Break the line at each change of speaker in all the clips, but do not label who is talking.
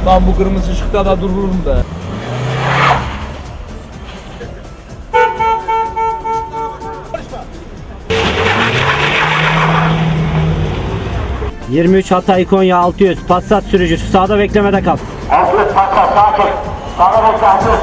Ben bu kırmızı ışıkta da dururum be.
...23 Hatay Konya 600 Passat sürücüsü sağda beklemede kal.
600 Passat sağ çek. Sağda bekle 600.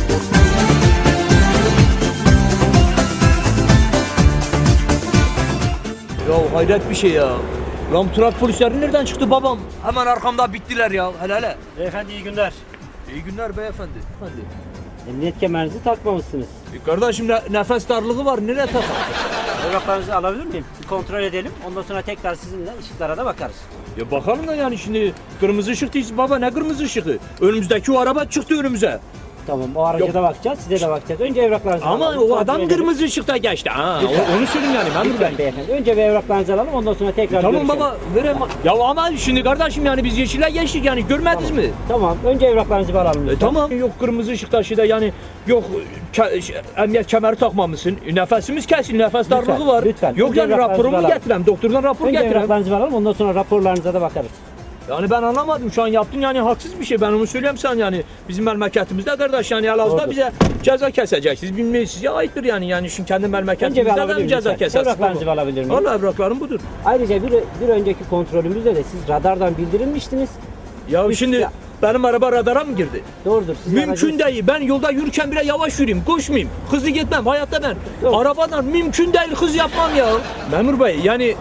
Ya hayret bir şey ya. Lan trafik polisleri nereden çıktı babam? Hemen arkamda bittiler ya. Hele hele.
Beyefendi iyi günler.
İyi günler beyefendi. Efendi.
Emniyet kemerinizi takmamışsınız.
Kardeşim nefes darlığı var. Nereye takar?
Evraklarınızı alabilir miyim? Bir kontrol edelim. Ondan sonra tekrar sizinle ışıklara da bakarız.
Ya bakalım da yani şimdi kırmızı ışık değil baba, ne kırmızı ışığı? Önümüzdeki o araba çıktı önümüze.
Tamam, o araca
Yok.
da bakacağız, size de bakacağız. Önce evraklarınızı
Ama
alalım.
o
kontrol
adam
edelim.
kırmızı ışıkta geçti. Ha,
Lütfen.
onu söyleyeyim yani memur bey.
Lütfen beyefendi. Önce bir evraklarınızı alalım, ondan sonra tekrar
Tamam
görüşelim.
baba, verem. Ya ama şimdi kardeşim yani biz yeşile geçtik yani görmediniz mi?
Tamam, önce evraklarınızı bir alalım lütfen.
Tamam. Yok kırmızı ışıkta şeyde yani yok emniyet kemeri takmamışsın. Nefesimiz kesin, nefes
Lütfen,
darlığı var.
lütfen.
Yok
Önce
yani
evraklarınızı
raporumu
alalım.
getirem, doktordan rapor
Önce
getirem.
evraklarınızı alalım, ondan sonra raporlarınıza da bakarız.
Yani ben anlamadım şu an yaptın yani haksız bir şey, ben onu söyleyeyim sen yani bizim memleketimizde kardeş yani Elazığ'da
Doğrudur.
bize ceza keseceksiniz bilmeyiz size aittir yani şimdi kendi
Önce bir
memleketimizde de
alabilir
mi ceza
miyim?
kesersiniz?
Evraklarınızı bir alabilir miyim?
Valla evraklarım budur.
Ayrıca bir önceki kontrolümüzde de siz radardan bildirilmiştiniz.
Ya
Biz-
şimdi
ya-
benim araba radara mı girdi?
Doğrudur. Sizin
Mümkün değil. Ben yolda yürürken bile yavaş yürüyeyim, koşmayayım. Hızlı gitmem hayatta ben.
Yok.
Arabadan mümkün değil hız yapmam ya. Memur Bey yani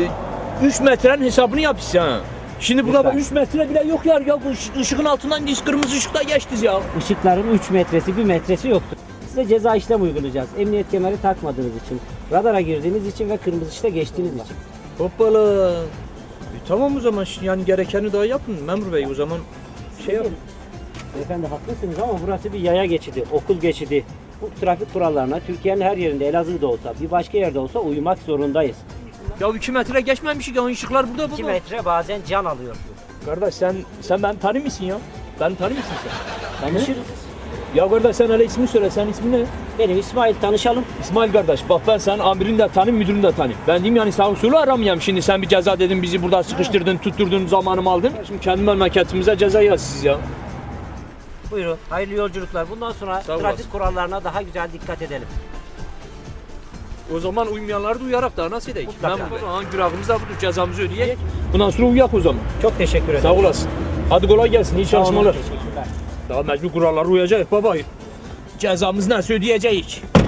3 metrenin hesabını yap size ha. Şimdi burada
Lütfen.
3 metre bile yok ya. Ya bu ışığın altından biz kırmızı ışıkta geçtiz ya.
Işıkların 3 metresi 1 metresi yoktur. Size ceza işlem uygulayacağız. Emniyet kemeri takmadığınız için, radara girdiğiniz için ve kırmızı ışıkta geçtiğiniz için.
Hoppala. Tamam o zaman yani gerekeni daha yapın Memur Bey o zaman şey yapın.
Beyefendi haklısınız ama burası bir yaya geçidi, okul geçidi. Bu trafik kurallarına Türkiye'nin her yerinde, Elazığ'da olsa, bir başka yerde olsa uymak zorundayız.
Ya 2 metre geçmemiş ya ışıklar burada
2
baba.
metre bazen can alıyor.
Kardeş sen ben tanır mısın ya? Ben tanır mısın sen?
Tanışırız.
Ya kardeş sen hele ismini söyle, sen ismin ne?
Benim İsmail, tanışalım.
İsmail kardeş bak ben senin amirini de tanıyım, müdürünü de tanıyım. Ben diyeyim yani sağ usulü aramayayım şimdi sen bir ceza dedin bizi burada sıkıştırdın, tutturdun, zamanımı aldın. Şimdi kendi memleketimize ceza yaz siz ya.
Buyurun, hayırlı yolculuklar. Bundan sonra
Sağ olasın.
trafik kurallarına daha güzel dikkat edelim.
O zaman uymayanları da uyarak da nasıl edeyim?
Mutlaka.
Günahımız da budur, cezamızı ödeyek. Bundan sonra uyak o zaman.
Çok teşekkür ederim.
Sağ olasın. Hadi kolay gelsin, iyi
Sağ olun,
çalışmalar.
teşekkürler.
Daha mecbur kurallara uyacağız baba. Cezamız nasıl ödeyeceğiz?